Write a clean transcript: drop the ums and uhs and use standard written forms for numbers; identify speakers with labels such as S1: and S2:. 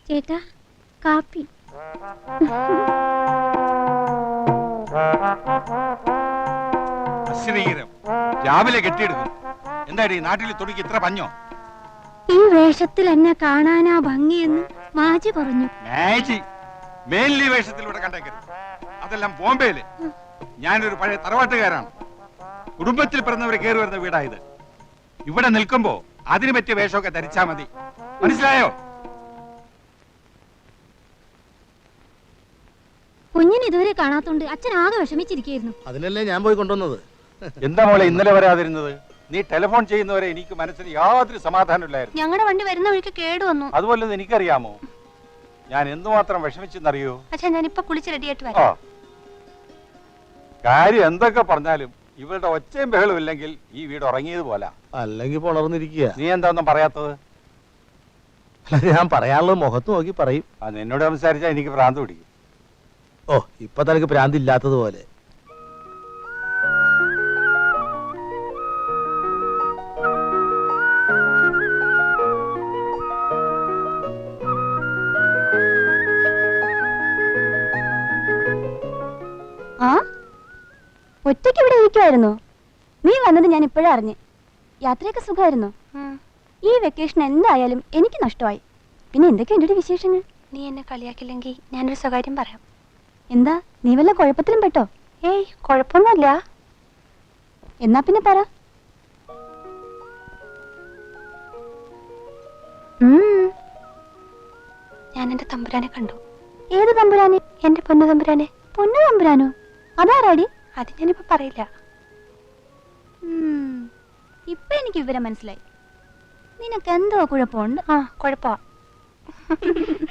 S1: ചേട്ടാ കാപ്പി.
S2: രാവിലെ കെട്ടിയെടുക്കും. എന്താടി നാട്ടിൽ തുണിക്ക് ഇത്ര പഞ്ഞോ?
S1: ഈ വേഷത്തിൽ എന്നെ കാണാനാ ഭംഗിയെന്ന് മാജി പറഞ്ഞു.
S2: മേലി വേഷത്തിലൂടെ കണ്ടേക്കരുത്. അതെല്ലാം ബോംബെയില്. ഞാനൊരു പഴയ തറവാട്ടുകാരാണ്. കുടുംബത്തിൽ പിറന്നവരെ കയറി വരുന്ന വീടായത്. ഇവിടെ നിൽക്കുമ്പോ അതിന് പറ്റിയ വേഷമൊക്കെ ധരിച്ചാ മതി. മനസ്സിലായോ?
S1: കുഞ്ഞിന് ഇതുവരെ കാണാത്തോണ്ട് അച്ഛൻ ആകെ വിഷമിച്ചിരിക്കുന്നു.
S3: അതിനല്ലേ ഞാൻ പോയി കൊണ്ടുവന്നത്.
S2: എന്താ മോളെ ഇന്നലെ വരാതിരുന്നത്? നീ ടെലിഫോൺ ചെയ്യുന്നവരെ എനിക്ക് മനസ്സിന് യാതൊരു സമാധാനമില്ലായിരുന്നു.
S1: ഞങ്ങളുടെ വണ്ടി വരുന്ന വഴിക്ക് കേടു വന്നു.
S2: അതുപോലെ എനിക്കറിയാമോ ഞാൻ എന്തുമാത്രം വിഷമിച്ചെന്നറിയോ?
S1: അച്ഛാ ഞാനിപ്പോ കുളിച്ച് റെഡിയായിട്ട് വരാം.
S2: കാര്യം എന്തൊക്കെ പറഞ്ഞാലും ഇവരുടെ ഒച്ചയും ബഹളും ഇല്ലെങ്കിൽ ഈ വീട് ഉറങ്ങിയത് പോലെ.
S3: അല്ലെങ്കിൽ പുണർന്നിരിക്കുക.
S2: നീ എന്താന്നും പറയാത്തത്?
S3: അല്ല, ഞാൻ പറയാനുള്ളത് മുഖത്ത് നോക്കി പറയും.
S2: നിന്നോട് സംസാരിച്ചാൽ എനിക്ക് ഭ്രാന്ത് പിടിക്കും.
S3: ഓ, ഇപ്പൊ തനിക്ക് ഭ്രാന്ത് ഇല്ലാത്തതുപോലെ.
S1: ഒറ്റയ്ക്ക് ഇവിടെ ഇരിക്കുവായിരുന്നോ? നീ വന്നത് ഞാൻ ഇപ്പോഴാ അറിഞ്ഞ്. യാത്രയൊക്കെ സുഖമായിരുന്നോ? ഈ വെക്കേഷൻ എന്തായാലും എനിക്ക് നഷ്ടമായി. പിന്നെ എന്തൊക്കെയുണ്ട് ഒരു വിശേഷങ്ങൾ? നീ എന്നെ കളിയാക്കില്ലെങ്കിൽ ഞാനൊരു സ്വകാര്യം പറയാം. എന്താ, നീ വല്ല കുഴപ്പത്തിലും പെട്ടോ? ഏയ്, കുഴപ്പമൊന്നുമില്ല. എന്നാ പിന്നെ പറ. ഞാൻ എന്റെ തമ്പുരാനെ കണ്ടു. ഏത് തമ്പുരാനെ? എന്റെ പൊന്നു തമ്പുരാനെ. പൊന്നു തമ്പുരാനോ? അതാരാടി? അത് ഞാനിപ്പോ പറയില്ല. ഇപ്പൊ എനിക്ക് വിവരം മനസ്സിലായി. നിനക്ക് എന്തോ കുഴപ്പമുണ്ട്. കുഴപ്പമാ.